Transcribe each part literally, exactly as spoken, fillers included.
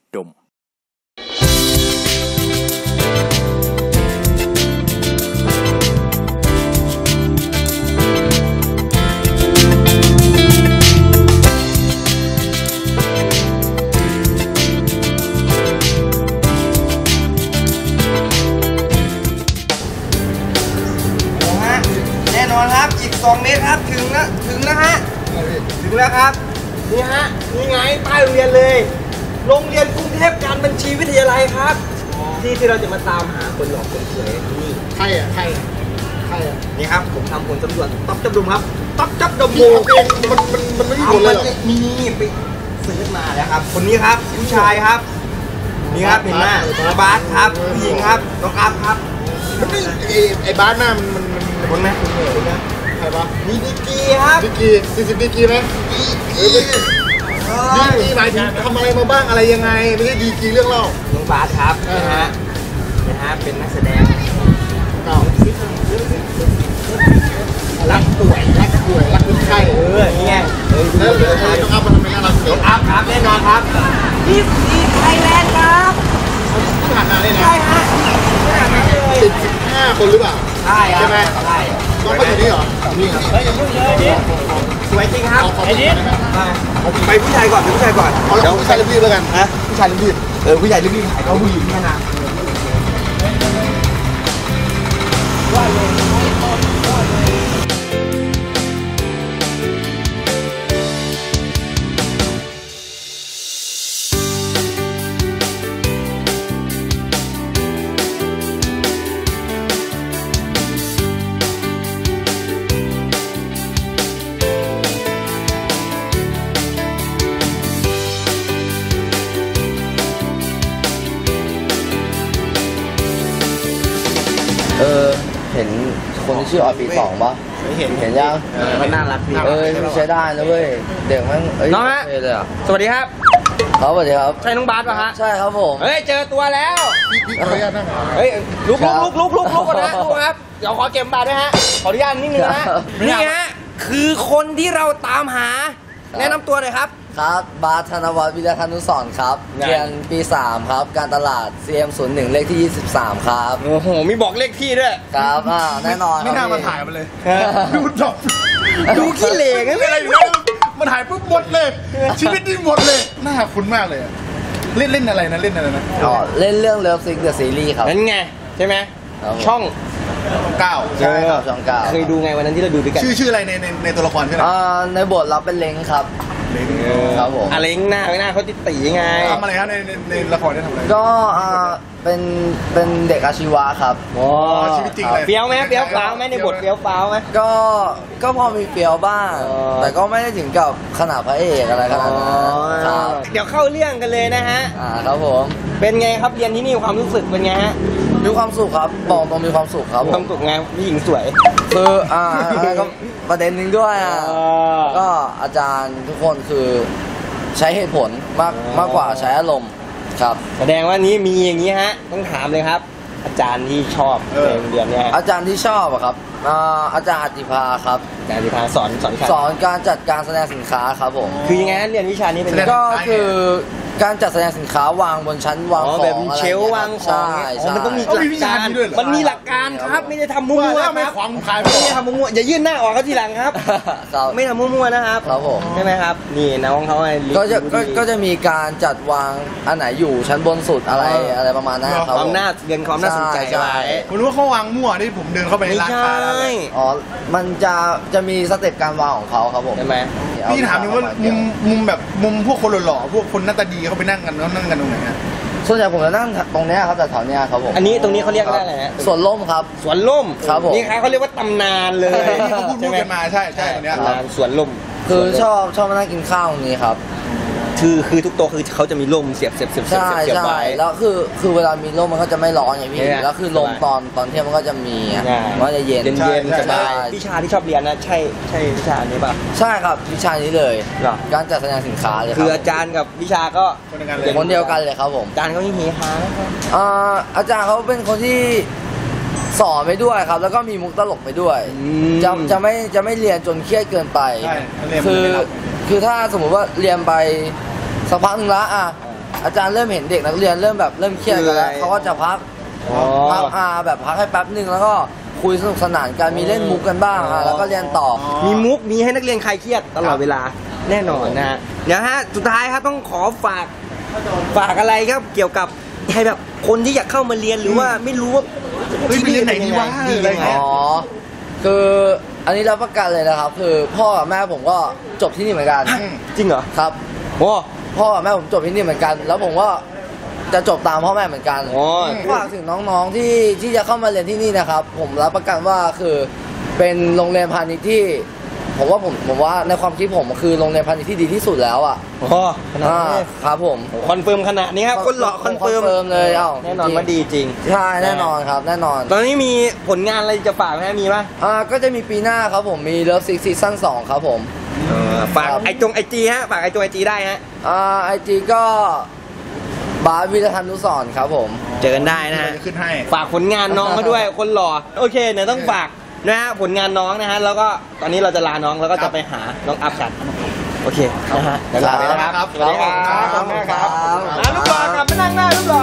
ดมแน่นอนครับอีกสองเมตรครับถึงนะถึงแล้วฮะถึงแล้วครับนี่ฮะนี่ไงป้ายโรงเรียนเลยโรงเรียนกรุงเทพการบัญชีวิทยาลัยครับที่ที่เราจะมาตามหาคนหล่อคนสวยนี่ใครอ่ะใครใครอ่ะนี่ครับผมทำผลสำรวจต๊อบจับดมครับต๊อบจับดมโมมันมันมันไม่มีผลเลยหรอมีไปซื้อมาแล้วครับคนนี้ครับผู้ชายครับนี่ครับเห็นไหมบาสครับผู้หญิงครับน้องอัพครับมันไม่ไอ้ไอ้บาสหน้ามันมันมันคนไหมคนไหมใครปะมีดีกีครับดีกีสี่สิบดีกีไหมดีกีดีกีหมายถึงทำอะไรมาบ้างอะไรยังไงไม่ใช่ดีกีเรื่องเล่าน้องบาสครับนะฮะนะฮะเป็นนักแสดงเก่ารักป่วยรักป่วยรักคนไข้เออนี่ไงเออแล้วน้องอัพมันทำไมน่ารักน้องอัพครับแน่นอนครับนี่ดีไทยแลนด์ครับที่ผ่านมาเนี่ยนะใช่ฮะขนาดนั้นเลยติดสิบห้าคนหรือเปล่าใช่ใช่ไหมใช่น้องเขาอยู่นี่เหรอนี่ครับเฮ้ยอย่าพูดเลยดิสวยจริงครับไอ้นี่ไปผู้ชายก่อนไปผู้ชายก่อนเดี๋ยวผู้ชายรีบๆแล้วกันฮะผู้ชายรีบๆเออผู้ชายรีบๆถ่ายเขาผู้หญิงแค่นั้นว่าเลยว่าเลยเออเห็นคนที่ชื่อออดปีสองปะเห็นเห็นยังมันน่ารักดีเออใช้ได้นะเว้ยเด็กมันเอ้ยน้องฮะเลยอ่ะสวัสดีครับครับสวัสดีครับใช่น้องบาสป่ะฮะใช่ครับผมเฮ้ยเจอตัวแล้วพี่พี่ขออนุญาตนั่งเฮ้ยลุกลุกลุกลุกลุกลุกก่อนนะลุกครับเดี๋ยวขอเก็บบาสด้วยฮะขออนุญาตนิดนึงนะนี่ฮะคือคนที่เราตามหาแนะนำตัวหน่อยครับครับบาสธนวัฒน์วิทยาธนุสรณ์ครับเรียนปีสามครับการตลาด ซี เอ็ม ศูนย์หนึ่ง เลขที่ยี่สิบสามครับโอ้โหมีบอกเลขที่ด้วยครับอ่าแน่นอนไม่น่ามาถ่ายมันเลยดูจบดูขี้เหร่งั้นอะไรอยู่แล้วมาถ่ายปุ๊บหมดเลยชีวิตนี่หมดเลยน่าคุ้นมากเลยเล่นเล่นอะไรนะเล่นอะไรนะอ๋อเล่นเรื่องเลิฟซิกเดอะซีรีส์ครับนั่นไงใช่ไหมช่องเก้าใช่ครับช่องเก้าเคยดูไงวันนั้นที่เราดูด้วยกันชื่อชื่ออะไรในในในตัวละครใช่ไหมอ่าในบทเราเป็นเล้งครับเล้งครับผมอะไรหน้าไม่หน้าเขาติดตีไงทำอะไรครับในในในละครได้ทำอะไรก็อ่าเป็นเป็นเด็กอาชีวะครับอ๋อชีวิตจริงเลยเฟี้ยวไหมเฟี้ยวฟ้าวไหมในบทเฟี้ยวฟ้าวไหมก็ก็พอมีเฟี้ยวบ้างแต่ก็ไม่ได้ถึงกับขนาดพระเอกอะไรขนาดนั้นครับเดี๋ยวเข้าเรื่องกันเลยนะฮะอ่าครับผมเป็นไงครับเรียนที่นี่ความรู้สึกเป็นไงฮะมีความสุขครับบอกตรงมีความสุขครับความสุขไงผู้หญิงสวยคืออ่าก็ประเด็นหนึ่งด้วยอ่ะก็อาจารย์ทุกคนคือใช้เหตุผลมากมากกว่าใช้อารมณ์ครับแสดงว่านี้มีอย่างนี้ฮะต้องถามเลยครับอาจารย์ที่ชอบในโรงเรียนเนี่ยอาจารย์ที่ชอบอะครับอาจารย์อติภาครับอาจารย์อติภาสอนสอนสอนการจัดการแสดงสินค้าครับผมคือยังไงเรียนวิชานี้เป็นก็คือการจัดแสดงสินค้าวางบนชั้นวางของแบบเชลวางของมันต้องมีหลักการมันมีหลักการครับไม่ได้ทำมั่วๆไม่ขวางขายไม่ได้ทำมั่วๆอย่ายื่นหน้าออกเขาทีหลังครับไม่ทำมั่วๆนะครับครับผมใช่ไหมครับนี่น้องเขาก็จะก็จะมีการจัดวางอันไหนอยู่ชั้นบนสุดอะไรอะไรประมาณนั้นครับความน่าเรียนความน่าสนใจไว้ผมรู้ว่าเขาวางมั่วที่ผมเดินเข้าไปในร้านค้าอ๋อมันจะจะมีสเต็ปการวางของเขาครับผมใช่ไหมพี่ถามนึงว่ามุมมุมแบบมุมพวกคนหล่อๆพวกคนหน้าตาดีเขาไปนั่งกันแล้วนั่งกันตรงไหนฮะส่วนใหญ่ผมจะนั่งตรงนี้ครับแต่แถวนี้ครับผมอันนี้ตรงนี้เขาเรียกว่าอะไรฮะสวนล่มครับสวนล่มครับผมนี่ครับเขาเรียกว่าตำนานเลยที่เขาพูดกันมาใช่ใช่ตรงนี้สวนล่มคือชอบชอบมานั่งกินข้าวตรงนี้ครับคือคือทุกโต๊ะคือเขาจะมีร่มเสียบเสียบเสียบเสียบเสียบไว้แล้วคือคือเวลามีร่มมันก็จะไม่ร้อนไงพี่แล้วคือลมตอนตอนเที่ยงมันก็จะมีมันก็จะเย็นเย็นสบายวิชาที่ชอบเรียนนะใช่ใช่วิชานี้ป่ะใช่ครับวิชานี้เลยการจัดแสดงสินค้าเลยคืออาจารย์กับวิชาก็คนเดียวกันเลยครับผมอาจารย์เขายิ่งเฮฮานะครับอาจารย์เขาเป็นคนที่สอนไปด้วยครับแล้วก็มีมุกตลกไปด้วยจะจะไม่จะไม่เรียนจนเครียดเกินไปคือคือถ้าสมมุติว่าเรียนไปสักพักหนึ่งละอ่ะอาจารย์เริ่มเห็นเด็กนักเรียนเริ่มแบบเริ่มเครียดกันแล้วเขาก็จะพักอ๋อพักอ่าแบบพักให้แป๊บหนึ่งแล้วก็คุยสนุกสนานกันมีเล่นมุกกันบ้างอ่ะแล้วก็เรียนต่อมีมุกมีให้นักเรียนคลายเครียดตลอดเวลาแน่นอนนะฮะเดี๋ยวฮะสุดท้ายครับต้องขอฝากฝากอะไรครับเกี่ยวกับให้แบบคนที่อยากเข้ามาเรียนหรือว่าไม่รู้ว่าเฮ้ยไปเรียนไหนดีวะดียังไงอ๋อคืออันนี้รับประกันเลยนะครับ คือพ่อกับแม่ผมก็จบที่นี่เหมือนกันจริงเหรอครับโอ้พ่อกับแม่ผมจบที่นี่เหมือนกัน แล้วผมก็จะจบตามพ่อแม่เหมือนกันโอ้ฝากถึงน้องๆที่ที่จะเข้ามาเรียนที่นี่นะครับ ผมรับประกันว่าคือเป็นโรงเรียนพาณิชย์ที่ ผมว่าผมผมว่าในความคิดผมคือโรงเรียนพาณิชย์ที่ดีที่สุดแล้วอ่ะโหขนาดอ่านี้ครับผมคอนเฟิร์มขนาดนี้ครับคนหล่อคอนเฟิร์มคอนเฟิร์มเลยเอ้าแน่นอนว่าดีจริงใช่แน่นอนครับแน่นอนตอนนี้มีผลงานอะไรจะฝากไหมมีป่ะอ่าก็จะมีปีหน้าครับผมมีเลิฟซิกซีซั่นสองครับผมฝากไอจงไอจีฮะฝากไอจงไอจีได้ฮะอ่าไอจีก็บาสวิรทันนุสรณ์ครับผมเจอกันได้นะฮะจะขึ้นให้ฝากผลงานน้องเขาด้วยคนหล่อโอเคเดี๋ยวต้องฝากนะฮะผลงานน้องนะฮะแล้วก็ตอนนี้เราจะลาน้องแล้วก็จะไปหาน้องอัพกันโอเคนะฮะเดี๋ยวลาไปนะครับครับสวัสดีครับขอบคุณครับครับอ่ะลูกหล่อกลับมานั่งหน้าลูกหล่อ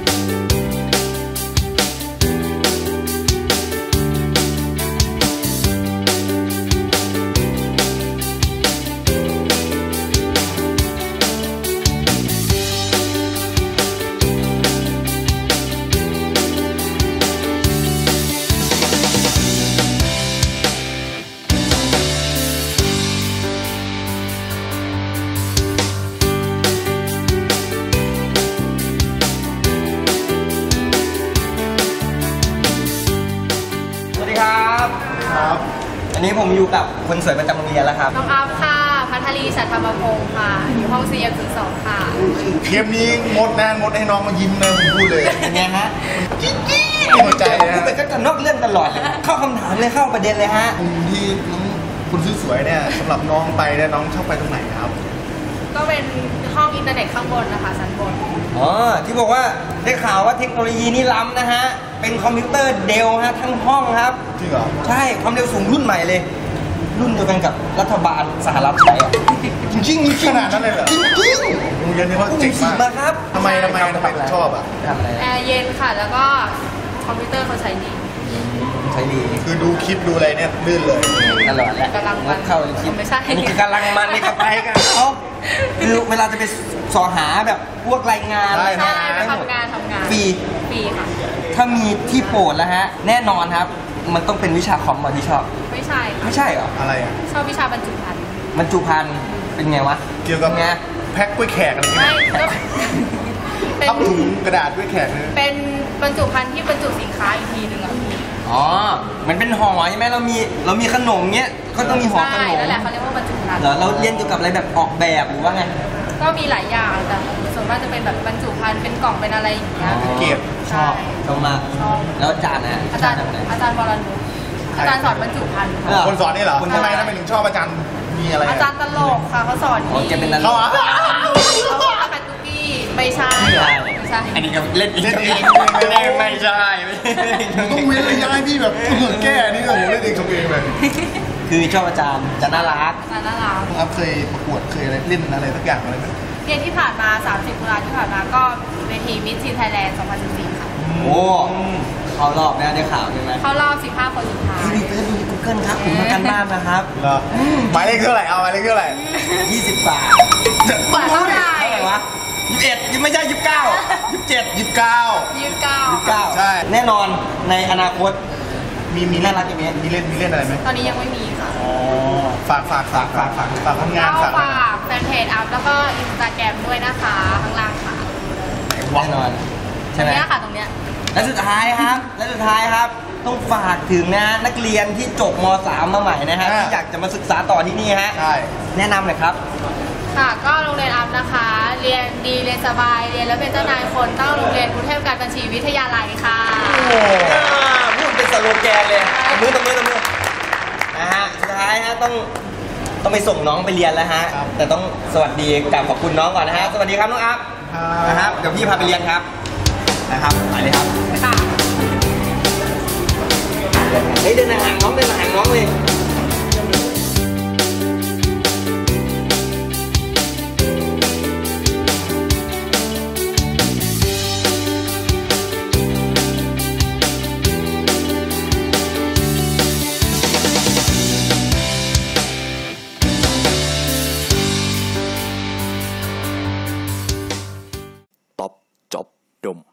สวัสดีครับครับอันนี้ผมอยู่กับคนสวยประจำโรงเรียนแล้วครับน้องอัพค่ะ พัทลีฉัตรธรรมพงศ์ค่ะ อยู่ห้อง ซี เอ็ม ศูนย์ สอง ค่ะเกมนี้งดนะงดให้น้องมายิ้มนะผมพูดเลยเป็นไงฮะจิ๊ดจิ๊ดหัวใจพูนะดไปก็จะนอกเรื่องตลอดเลยเข้าคำถามเลยเข้าประเด็นเลยฮะกลุ่มที่น้องคุณสวยๆเนี่ยสำหรับน้องไปเนี่ยน้องชอบไปตรงไหนครับก็เป็นห้องอินเทอร์เน็ตข้างบนนะคะชั้นบนอ๋อที่บอกว่าได้ข่าวว่าเทคโนโลยีนี่ล้ำนะฮะ เป็นคอมพิวเตอร์เดลฮะทั้งห้องครับจริงเหรอใช่ความเร็วสูงรุ่นใหม่เลย รุ่นเดียวกันกับรัฐบาลสหรัฐใช้อะจริงๆขนาดนั้นเลยเหรอจริงโรงเรียนนี้ว่าๆเจ๋งสีมากมาครับทำไมทำไมทำไมถึงชอบอ่ะทำอะไรแอร์เย็นค่ะ แล้วก็คอมพิวเตอร์เขาใช้ดีใช้ดีคือดูคลิปดูอะไรเนี่ยลื่นเลยตลอดแหละกำลังมันเข้าคลิปไม่ใช่อันนี้คือกำลังมันนี่ก็ไปกันเขาคือเวลาจะไปสอหาแบบพวกรายงานใช่ใช่ได้หมดทำงานทำงานฟรีฟรีค่ะถ้ามีที่โปรดแล้วฮะ แน่นอนครับ มันต้องเป็นวิชาคอมมาที่ชอบไม่ใช่ค่ะไม่ใช่เหรออะไรอ่ะชอบวิชาบรรจุภัณฑ์มันจุพันเป็นไงวะเกี่ยวกับไงแพ็คกล้วยแขกอะไรไม่เงี้ยก็เป็นทับถุงกระดาษกล้วยแขกเนี่ยเป็นบรรจุภัณฑ์ที่บรรจุสินค้าอีกทีหนึ่งอ่ะพี่อ๋อ มันเป็นห่อใช่ไหมเรามีเรามีขนมเงี้ยก็ต้องมีห่อใช่ขนมนั่นแหละเขาเรียกว่าบรรจุภัณฑ์เหรอเราเรียนเกี่ยวกับอะไรแบบออกแบบหรือว่าไงก็มีหลายอย่างแต่ส่วนมากจะเป็นแบบบรรจุภัณฑ์เป็นกล่องเป็นอะไรอย่างเงี้ยเก็บชอบชอบมากชอบแล้วอาจารย์นะอาจารย์ทำอะไรอาจารย์วรนุชอาจารย์สอนบรรจุภัณฑ์เหรค่ะคนสอนนี่เหรอคนทำไมทำไมถึงชอบอาจารย์มีอะไรอาจารย์ตลกค่ะเขาสอนอ๋อดีแกเป็นนักเขาอ่ะเขาบอกว่าเป็นตุ๊กกี้ไม่ใช่ไม่ใช่อันนี้ก็เล่นอีกเล่นเองไม่ได้ไม่ใช่ไม่ใช่ต้องเว้นระยะให้พี่แบบเหมือนแก้นี่โอ้โหเล่นเองชมเองเลยคือชอบอาจารย์จะน่ารักอาจารย์น่ารักครับเคยประกวดเคยอะไรเล่นอะไรสักอย่างอะไรไหมเรียนที่ผ่านมา สามสิบตุลาที่ผ่านมาก็เวทีมิสทีนไทยแลนด์ สองพันสิบสี่ ค่ะโอ้เขารอบนะได้ข่าวใช่ไหมเข้ารอบสิบห้าคนสุดท้ายพี่ไปดู Google ครับผมมากันบ้านนะครับเหรอหมายเลขเท่าไหร่เอาหมายเลขเท่าไหร่ยี่สิบบาทกว่าเท่าไหร่เท่าไหร่วะยี่สิบเอ็ดยังไม่ใช่ยี่สิบเก้ายี่สิบเจ็ดยี่สิบเก้ายี่สิบเก้ายี่สิบเก้าใช่แน่นอนในอนาคตมีมีน่ารักอย่างนี้มีเล่นมีเล่นอะไรไหมตอนนี้ยังไม่มีค่ะอ๋อฝากฝากฝากฝากฝากฝากทำงานเข้าฝากฝากแฟนเพจอัพแล้วก็อินสตาแกรมด้วยนะคะข้างล่างค่ะแน่นอนตรใช่งไหมเนี้ยค่ะตรงเนี้ยและสุดท้ายครับ และสุดท้ายครับ ต้องฝากถึงนะนักเรียนที่จบม สาม มาใหม่นะฮะที่อยากจะมาศึกษาต่อที่นี่ฮะใช่แนะนำหน่อยครับค่ะก็โรงเรียนอัพนะคะ เรียนดีเรียนสบายเรียนแล้วเป็นเจ้านายคนต้องโรงเรียนกรุงเทพการบัญชีวิทยาลัยค่ะโอ้พูดเป็นสโลแกนเลยตบมือตบมือตบมือนะฮะสุดท้ายฮะต้องต้องไปส่งน้องไปเรียนแล้วฮะ แต่ต้องสวัสดีกับขอบคุณน้องก่อนนะฮะสวัสดีครับน้องอัพนะครับเดี๋ยวพี่พาไปเรียนครับนะครับไปเลยครับค่ะเฮ้ยเดินห่างน้องเดินห่างน้องเลยดม